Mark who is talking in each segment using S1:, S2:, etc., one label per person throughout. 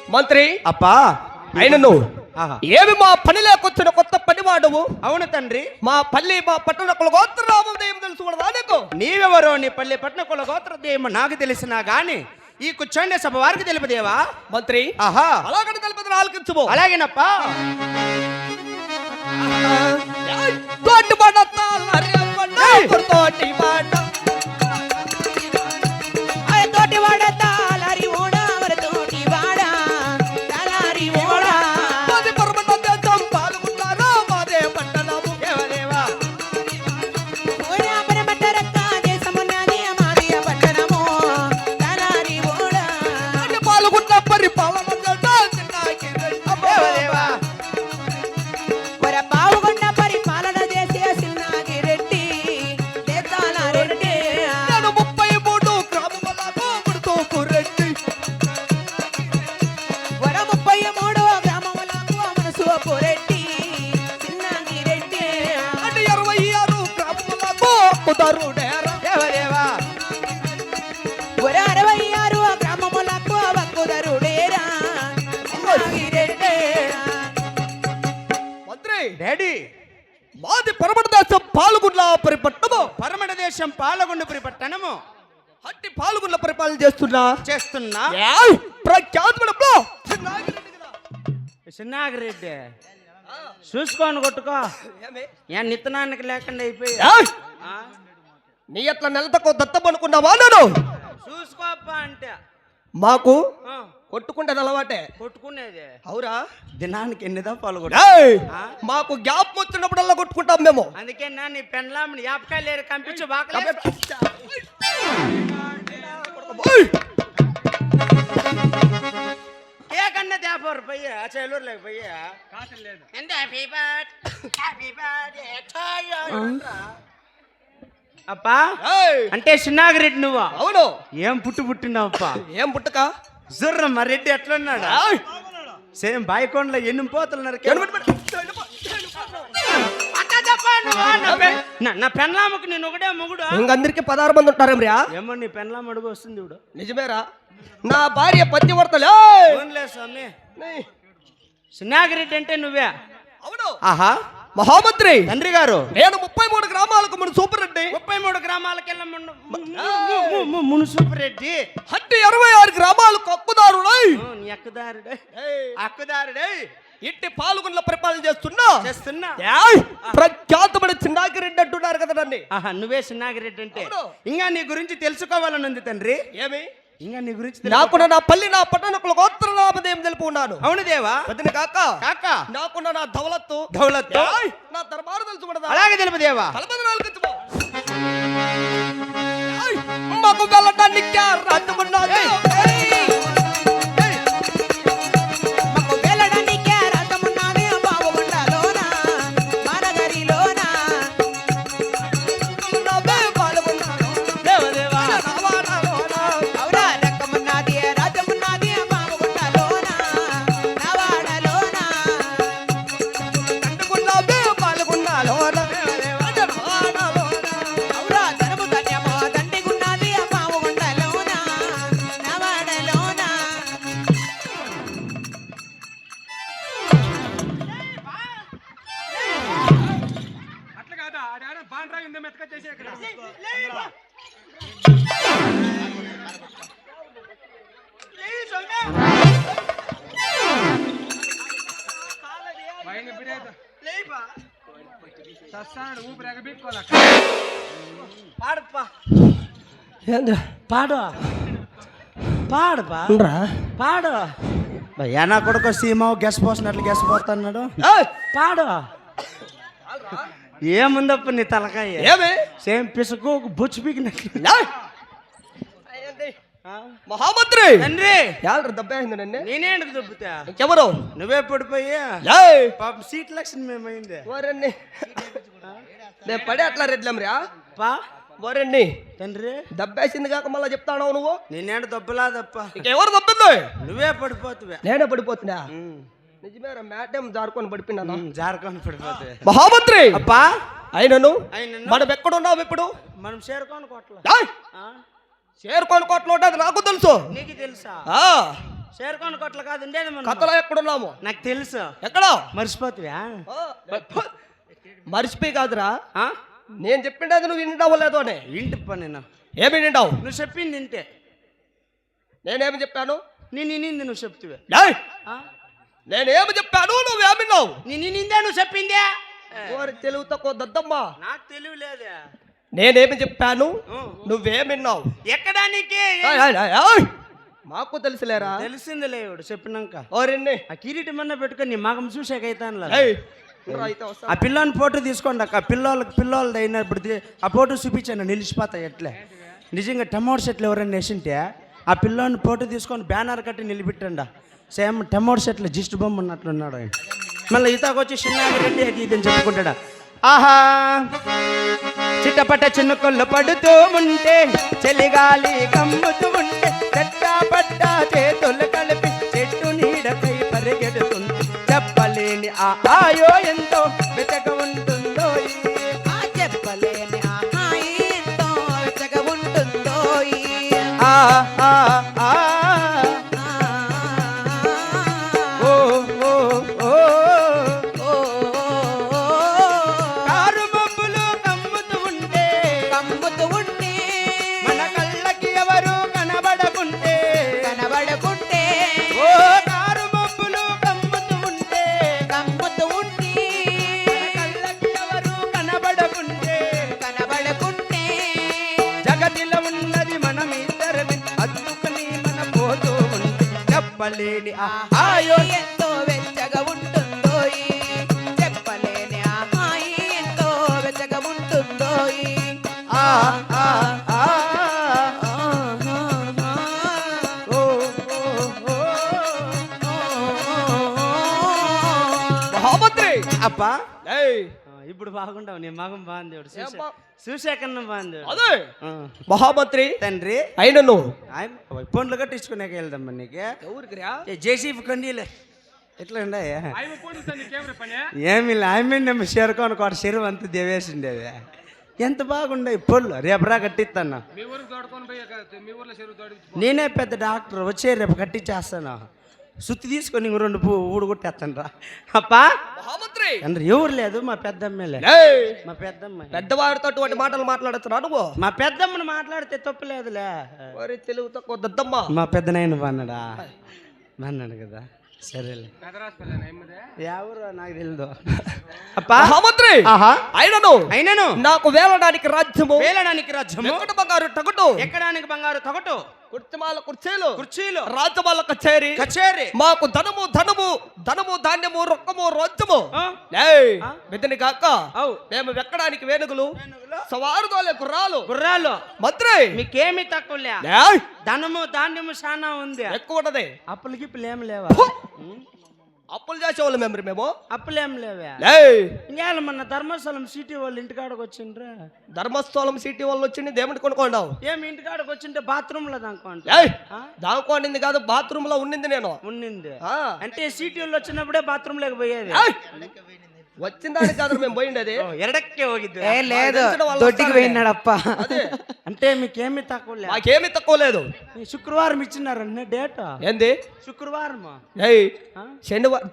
S1: మంత్రి
S2: అప్పా
S1: అయినను ఏమి మా పని లేకొచ్చిన కొత్త పనివాడువు?
S2: అవును తండ్రి.
S1: మా పట్టణ కుల గోత్రనామం తెలుసు కూడా నీకు?
S2: నీవెవరో నీ పల్లె పట్టణ కుల గోత్రదేమో నాకు తెలిసినా గాని ఈ కూర్చోండి సభ వారికి తెలుపదేవా?
S1: మంత్రి
S2: ఆహా
S1: అలాగని తెలుపదు ఆలకించుము.
S2: అలాగేనప్పా.
S1: తోటి పడతాల్ హరి పడ్డ తోటి పడ్డ
S3: తోటి వాడతాల్ హరి ఓడా వర తోటి వాడా తలారి ఓడా
S1: మాది పర్వత దేశం పాల్గొన్నారా మాదే పట్టణము
S2: దేవదేవా.
S3: ఓడా పరమట రక్క దేశమున్నది మాది పట్టణము తలారి ఓడా
S1: అంటే పాల్గొన్న పరిపాలన
S2: దేవదేవా.
S3: వర పావుగొండ పరిపాలన చేసే సిన్నాగి రెడ్డి దేశాల రెడ్డి
S1: నేను 33 గ్రామములకు ముడుతూ రెడ్డి
S3: వర 33 గ్రామములకు మనసు రెడ్డి సిన్నాగి రెడ్డి
S1: అంటే 26 గ్రామములకు కుదరుడేరా
S2: దేవదేవా.
S3: వర 66 గ్రామములకు వక్కుదరుడేరా సిన్నాగి రెడ్డి
S1: మంత్రి
S2: డాడీ
S1: మాది పరమట దేశం పాల్గొన్న పరిపట్టణము
S2: పరమట దేశం పాలగొండపురి పట్టణము
S1: అట్టి పాల్గొన్న పరిపాలన చేస్తున్నా
S2: చేస్తున్నా
S1: ప్రఖ్యాతమైన
S2: చిన్నాగిరెడ్డి చూసుకొని కొట్టుకో. ఏ నిత్తనానికి లేకుండా అయిపోయి
S1: నీ అట్లా నెలతకు దత్తమనుకున్నావా? నేను
S2: చూసుకోప్పా అంటే
S1: మాకు కొట్టుకుంటే అలవాటే.
S2: కొట్టుకునేది
S1: అవురా?
S2: దినానికి ఎన్ని దఫాలు
S1: ఏయ్! మాకు గ్యాప్ వచ్చినప్పుడల్లా కొట్టుకుంటాం మేము.
S2: అందుకే నా నీ పెన్లాంని యాపకాయ లేరు కంపించు బాగా కేకన్నా తేపోరు పయ్య చెల్లూరు లేక పయ్య అప్పా
S1: ఏయ్!
S2: అంటే చిన్నాగిరెడ్డి నువ్వు
S1: అవును.
S2: ఏం పుట్టినావు అప్పా?
S1: ఏం పుట్టక
S2: జుర్ర మా రెడ్డి ఎట్లున్నాడా?
S1: ఏయ్!
S2: సేమ్ బాయికొండలో ఎన్ని పోతున్నారు నా పెన్లామకు నేను ఒకటే మొగుడు.
S1: ఇంకందరికి 16 మంది ఉంటారేమ్రా?
S2: ఏమో నీ పెన్లాం అడుగు వస్తుంది ఇప్పుడు.
S1: నిజమేరా? నా భార్య పతివర్తలే.
S2: ఓన్లే స్వామి. చిన్నాగిరెడ్డి అంటే నువ్వే?
S1: అవును.
S2: ఆహా
S1: మహామంత్రి
S2: తండ్రి గారు
S1: నేను 33 గ్రామాలకు మన సూపర్ రెడ్డి
S2: 33 గ్రామాలకెళ్ళ మున్సూపర్ రెడ్డి
S1: హట్టి 26 గ్రామాలకు హక్కుదారుడై
S2: నీ అక్కదారుడే అక్కదారుడే
S1: ఇట్టి పాల్గొన్న పరిపాలన చేస్తున్నా.
S2: చేస్తున్నా
S1: ప్రఖ్యాతమైన చిన్నాగిరెడ్డి అంటున్నారు కదా నన్ను.
S2: ఆహా నువ్వే చిన్నాగిరెడ్డి అంటే
S1: అవును.
S2: ఇంకా నీ గురించి తెలుసుకోవాలని ఉంది తండ్రి.
S1: ఏమి?
S2: ఇంకా నీ గురించి
S1: నాకున్న నా పల్లి నా పట్టణకుల గోత్రనామదేం తెలుపు ఉన్నాను.
S2: అవును దేవా.
S1: వదిన కాక
S2: కాక
S1: నాకున్న నా దౌలత్తు
S2: దౌలత్తు
S1: నా దర్బారు తెలుసు కూడా.
S2: అలాగే తెలుపు దేవా.
S1: మాకు వెళ్ళడానికి రాజమున్నది.
S3: మాకు వెళ్ళడానికి రథమున్నది బావుగుండలోన మానగరిలోన అవురా రకమున్నది రథమున్నది బావుగుండలోన నవాడలోన అవురా ధనము ధన్యమో దండిగున్నది బావుగుండలోన నవాడలోన
S4: అట్లా కాదా ఆడ బాండ్రా ఇంద మెతక చేసే ఇక్కడ పైన బిరేత సస్తాడు ఊపిరి ఎగబెట్టుకోవాలి
S2: పాడప్పా
S1: ఏంద్రా
S2: పాడు పాడపా పాడు ఏనా కొడుకు సీమావు గెస్ పోసినట్లు గెస్ పోతున్నాడు. పాడు ఏముందప్ప నీ తలకాయ?
S1: ఏమి?
S2: సేమ్ పిసుకు బుచ్చు పీకినట్లు.
S1: మహామంత్రి
S2: తండ్రి
S1: యాళ్ళ దెబ్బైంది నన్ను.
S2: నేనే ఎందుకు దొబ్బుతా?
S1: ఎవరు?
S2: నువ్వే పడిపోయి పాపం సీట్ లక్షణం మేమైంది.
S1: వరండి నేను పడే అట్లా రెడ్లమ్రా
S2: పా
S1: వరండి
S2: తండ్రి
S1: దెబ్బేసింది కాక మళ్ళీ చెప్తాను నువ్వు.
S2: నేనేడు దొబ్బలాదప్ప.
S1: ఇంకెవరు దెబ్బింది?
S2: నువ్వే పడిపోతువే.
S1: నేనే పడిపోతున్నా. నిజమేరా మేడం జారుకొని పడిపోయినా.
S2: జారకొని పడిపోతువే.
S1: మహామంత్రి
S2: అప్పా
S1: అయినను
S2: అయినను
S1: మనం ఎక్కడున్నావు ఇప్పుడు?
S2: మనం చేరుకోని కోట్ల
S1: చేరుకొని కోట్లు ఉంటుంది నాకు తెలుసు.
S2: నీకు తెలుసా? చేరుకోని కొట్ల కాదు ఉండేది మనం.
S1: కథలో ఎక్కడున్నాము?
S2: నాకు తెలుసు.
S1: ఎక్కడో
S2: మర్చిపోతువా?
S1: మర్చిపోయి కాదురా,
S2: ఆ?
S1: నేను చెప్పిండేది నువ్వు వింటావో లేదో అని.
S2: ఇంటి పని నేను.
S1: ఏమి వింటావు?
S2: నువ్వు చెప్పింది ఇంటే.
S1: నేనేమి చెప్పాను?
S2: నేను నింది నువ్వు చెప్తువే.
S1: ఏయ్! నేనేమి చెప్పాను, నువ్వేమి విన్నావు?
S2: నేను నిందే నువ్వు చెప్పిందే.
S1: ఓరి తెలుగు తక్కువ దద్దమ్మా,
S2: నాకు తెలివి లేదే.
S1: నేనేమి చెప్పాను, నువ్వేమి విన్నావు?
S2: ఎక్కడానికి
S1: ఏయ్, ఏయ్, ఏయ్, ఏయ్! మాకు తెలుసులేరా.
S2: తెలిసిందిలే ఇవిడు చెప్పినాక.
S1: ఓరిన్ని
S2: ఆ కిరీటం అన్న పెట్టుకొని నీ మగం చూసాకైతాను.
S1: ఏయ్! రా అయితే వస్తా.
S2: ఆ పిల్లని ఫోటో తీసుకోండి అక్క. పిల్లలది అయినప్పుడు ఆ ఫోటో చూపించాను, నిలిచిపోతాయి ఎట్లే. నిజంగా టమోటో చెట్లు ఎవరైనా వేసింటే ఆ పిల్లని ఫోటో తీసుకొని బ్యానర్ కట్టి నిలబెట్టండి. సేమ్ టమోటో చెట్లు జిస్ట్ బొమ్మ ఉన్నట్లున్నాడు ఆయన. మళ్ళీ ఈతకు వచ్చి చిన్నారెడ్డి అది ఇది అని చెప్పుకుంటాడా. ఆహా చిట్టపట్ట చిన్నుకొల్లు పడుతూ ఉంటే చలిగాలి కమ్ముతూ ఉంటే చెట్ట చేతులు కలిపి చెట్టు నీడపై పరిగెడుతుంది. చెప్పలేని ఆ ఆయో ఎంతో వెతక ఉంటుందో.
S3: చెప్పలేని ఆహాయి ఎంతో వెచ్చగా ఉంటుందో.
S2: ఆ ఆ ఆ ఓ ఓ ఓ కారు మబ్బులు కమ్ముతూ ఉంటే మన కళ్ళకి ఎవరు కనబడకుంటే ఓ కారు మబ్బులు కమ్ముతూ ఉంటే మన కళ్ళకి ఎవరు కనబడకుంటే జగతిలో ఉన్నది మనం ఇద్దరమే అద్దుకుని మన పోతూ ఉంటే చెప్పలేని ఆ ఆయో
S3: ఎంతో వెచ్చగా ఉంటుందో. చెప్పలేని ఆహాయి ఎంతో వెచ్చగా ఉంటుందో.
S2: ఆ ఆ ఆ ఓ ఓ
S1: మహామంత్రి!
S2: అప్పా
S1: ఏయ్!
S2: ఇప్పుడు బాగుండవు. నీ మగం బాగుంది.
S1: ఏం బా-
S2: చూసాకన్నా బాగుంది.
S1: అదే మహామంత్రి
S2: తండ్రి
S1: అయినను
S2: పండ్లు కట్టించుకునేకి వెళ్దాం నీకు.
S1: ఎవరికి రా?
S2: జేసీఫ్ కండీలే ఎట్లా ఉన్నాయా?
S4: ఆయన పోలీసు నీకేమిరా పని?
S2: ఏమి ఆమె చేరుకొని ఒక చెరువు అంతా దేవేసిండేది. ఎంత బాగుండే పొల్లు. రేపరా కట్టిస్తాను.
S4: మీ ఊరికి తోడుకొని పోయి మీ ఊర్లో చెరువు తోడి
S2: నేనే పెద్ద డాక్టర్ వచ్చే రేపు కట్టించేస్తాను. సుత్తి తీసుకొని ఇంక రెండు ఊడుగొట్టేస్తాను రా. అప్పా
S1: మహామంత్రి!
S2: అంటే ఎవరు లేదు, మా పెద్దమ్మలే.
S1: ఏయ్!
S2: మా పెద్దమ్మ
S1: పెద్దవారితో అటువంటి మాటలు మాట్లాడుతున్నా నువ్వు?
S2: మా పెద్దమ్మను మాట్లాడితే తప్పులేదులే.
S1: ఓరి తెలుగు తక్కువ దద్దమ్మా.
S2: మా పెద్దనాయన బాన్నాడా? బాన్నాడు కదా, సరేలే.
S4: పెదరాశపల్లి ఎమ్మదే
S2: ఎవరు నాకు తెలియదు. అప్పా
S1: మహామంత్రి!
S2: ఆహా
S1: అయినను
S2: అయినను
S1: నాకు వేలడానికి రాజ్యము,
S2: వేలడానికి రాజ్యము,
S1: ఎక్కడ బంగారు టగటు,
S2: ఎక్కడానికి బంగారు తొగటు,
S1: కుర్చీమాల కుర్చీలు,
S2: కుర్చీలు,
S1: రాజ్యమాల కచేరి,
S2: కచేరి,
S1: మాకు ధనము ధాన్యము రొక్కము రాజ్యము.
S2: ఆ?
S1: ఏయ్!
S2: ఆ?
S1: బిడ్డని కాక
S2: అవు
S1: మేము వెక్కడానికి వేనుగులు,
S2: ఏనుగులు,
S1: సవారుదోలే గుర్రాలు.
S2: గుర్రాలు.
S1: మంత్రి!
S2: మీకేమీ తక్కువలే.
S1: ఏయ్!
S2: ధనము ధాన్యము చాలా ఉంది.
S1: ఎక్కువ ఉన్నది.
S2: అప్పులు గిప్పులు ఏం లేవా?
S1: అప్పులు చేసేవాళ్ళు మేము.
S2: అప్పులు ఏం లేవా?
S1: ఏయ్!
S2: ఇంకేళ మన ధర్మస్థలం సిటీ వాళ్ళు ఇంటికాడకు వచ్చిండ్రా.
S1: ధర్మస్థలం సిటీ వాళ్ళు వచ్చింది దేవుని కొనుక్కోండావు.
S2: ఏమి ఇంటికాడకు వచ్చింటే బాత్రూమ్ లో దానుకోండి.
S1: ఏయ్! దానికోండింది కాదు, బాత్రూమ్ లో ఉండింది నేను.
S2: ఉన్నింది
S1: ఆ.
S2: అంటే సిటీ వాళ్ళు వచ్చినప్పుడే బాత్రూమ్ లేక పోయేది.
S1: ఏయ్! వచ్చిన దానికి కాదు మేము పోయిండేది.
S2: ఎడక్కే ಹೋಗಿದ್ದು.
S3: ఏ లేదు,
S1: తెలిసిన వాళ్ళు
S3: దొడ్డికి
S1: వస్తారులే.
S3: పోయినాడప్ప.
S1: అదే
S2: అంటే మీకేమి తక్కువ
S1: మాకేమీ తక్కువ లేదు.
S2: శుక్రవారం ఇచ్చినారన్న డేట్.
S1: ఏంది?
S2: శుక్రవారం.
S1: ఏయ్!
S2: ఆ?
S1: శనివారం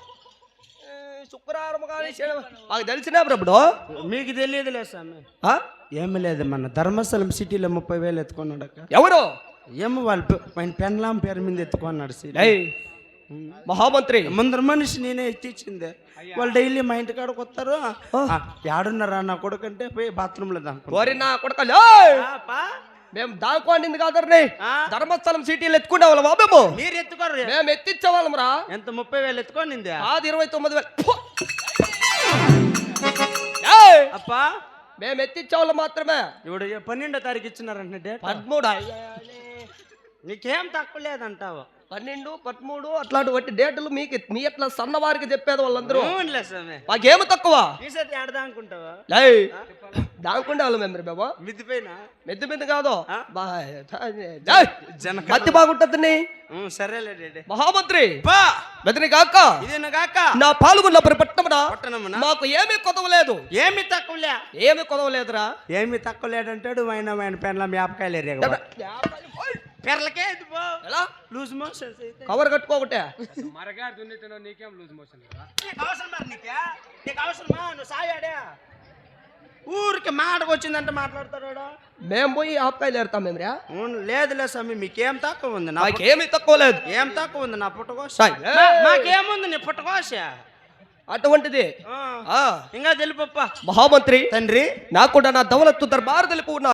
S1: శుక్రవారం కానీ శనివారం మాకు తెలిసినా ఇప్పుడు.
S2: మీకు తెలియదులే స్వామి.
S1: ఆ?
S2: ఏమి లేదు, మన ధర్మస్థలం సిటీలో 30,000 ఎత్తుకున్నాడు అక్క.
S1: ఎవరు?
S2: ఏమో వాళ్ళు ఆయన పెన్లాం పేరు మీద ఎత్తుకున్నాడు సిటీ.
S1: ఏయ్! మహామంత్రి!
S2: ముందర మనిషి నేనే ఎత్తిచ్చింది. వాళ్ళు డైలీ మా ఇంటి కాడకు వస్తారు. ఏడున్నారా నా కొడుకంటే పోయి బాత్రూమ్ లో దానికి
S1: కోరి నా కొడకలు. మేము దాకోండింది కాదర్ని ధర్మస్థలం సిటీలు ఎత్తుకునే వాళ్ళం మేము.
S2: మీరు ఎత్తుకోరు.
S1: మేము ఎత్తిచ్చే వాళ్ళం రా.
S2: ఎంత 30,000 ఎత్తుకోనింది?
S1: అది 29,000.
S2: అప్పా
S1: మేము ఎత్తిచ్చే వాళ్ళం మాత్రమే.
S2: ఇప్పుడు 12వ తారీఖు ఇచ్చినారంటే డేట్.
S1: 13
S2: నీకేం తక్కువ లేదంటావు.
S1: 12, 13 అట్లాంటి వట్టి డేట్లు మీకు మీ ఎట్లా సన్నవారికి చెప్పేది వాళ్ళందరూ.
S2: అవునులే స్వామి.
S1: మాకేమి తక్కువ.
S2: ఈసారి ఏడదా అనుకుంటావా?
S1: దాకుండే వాళ్ళం మేము బాబా.
S2: మిద్దిపోయిన
S1: మెద్దు మీద కాదు
S2: జన
S1: మత్తి బాగుంటుంది.
S2: సరేలే డేడే.
S1: మహామంత్రి!
S2: పా
S1: మెదని కాక
S2: ఇదేనా కాక
S1: నా పాల్గొన్నప్పుడు పట్టణమున
S2: పట్టణమున
S1: మాకు ఏమీ కొదవలేదు.
S2: ఏమి తక్కువలే.
S1: ఏమి కొదవలేదురా.
S2: ఏమి తక్కువ లేదంటాడు. ఆయన పెన్ల మేపకాయలు ఎరగ పెర్లకే ఇది పో
S1: ఎలా
S2: లూజ్ మోషన్స్ అయితే
S1: కవర్ కట్టుకోకటే
S4: మరగాడు దున్నిట్టున్నావు నీకేం లూజ్ మోషన్
S2: నీకు అవసరమా నీకు అవసరమా నువ్వు సాయాడా ఊరికి మాటకు వచ్చిందంటే మాట్లాడతాడు
S1: మేము పోయి ఆపకాయలు ఏరుతాం మేము రా
S2: లేదులే స్వామి మీకేం తక్కువ ఉంది నా
S1: నాకేమీ తక్కువ లేదు
S2: ఏం తక్కువ ఉంది నా పుట్టకోస
S1: సాయ్,
S2: మాకేముంది నీ పుట్టకోస
S1: అటువంటిది
S2: ఇంకా తెలిపప్ప
S1: మహామంత్రి
S2: తండ్రి
S1: నాకు కూడా నా దౌలత్తు దర్బార్ తెలుపు